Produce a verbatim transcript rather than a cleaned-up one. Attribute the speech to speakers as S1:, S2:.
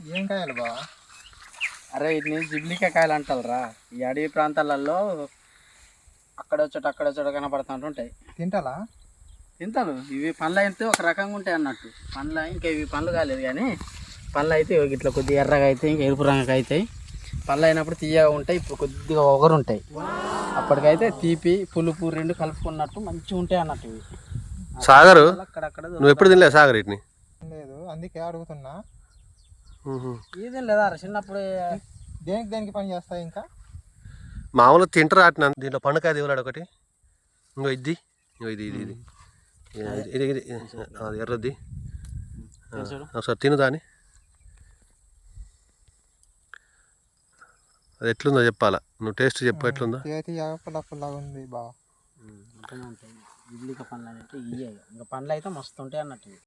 S1: ఏం కాయాలి బా?
S2: అరే వీటిని జిబ్లికా కాయలు అంటారా. ఈ అడవి ప్రాంతాలలో అక్కడ వచ్చేట అక్కడ వచ్చేట కనపడుతుంటుంటాయి.
S1: తింటాలా?
S2: తింటారు. ఇవి పండ్లు అయితే ఒక రకంగా ఉంటాయి అన్నట్టు. పండ్లు ఇంకా ఇవి పండ్లు కాలేదు కానీ పండ్లు అయితే ఇట్లా కొద్దిగా ఎర్రగా అయితే ఇంకా ఎరుపు రంగుగా అవుతాయి. పళ్ళు అయినప్పుడు తీయగా ఉంటాయి. ఇప్పుడు కొద్దిగా ఒగరు ఉంటాయి. అప్పటికైతే తీపి పులుపు రెండు కలుపుకున్నట్టు మంచిగా ఉంటాయి అన్నట్టు ఇవి.
S3: సాగరు నువ్వు ఎప్పుడు తినలేదు సాగర్ వీటిని?
S1: లేదు, అందుకే అడుగుతున్నా.
S2: ఇది లేదా చిన్నప్పుడు
S1: దేనికి దేనికి పని చేస్తాయి? ఇంకా
S3: మామూలుగా తింటారు ఆటిన. దీంట్లో పండుకాయ దిగులాడు ఒకటి. ఇంకో ఇది ఇంకో ఇది ఇది ఇది ఇది ఇది అది ఎర్రది. ఒకసారి తిను దాని. అది ఎట్లుందో చెప్పాలా, నువ్వు టేస్ట్ చెప్పు ఎట్లుందో.
S1: చేతి పుల్ల పుల్లగా ఉంది బా.
S2: ఇడ్లీక పండ్లు అంటే ఇవే ఇంకా పండ్లు అయితే మస్తు ఉంటాయి అన్నట్టు.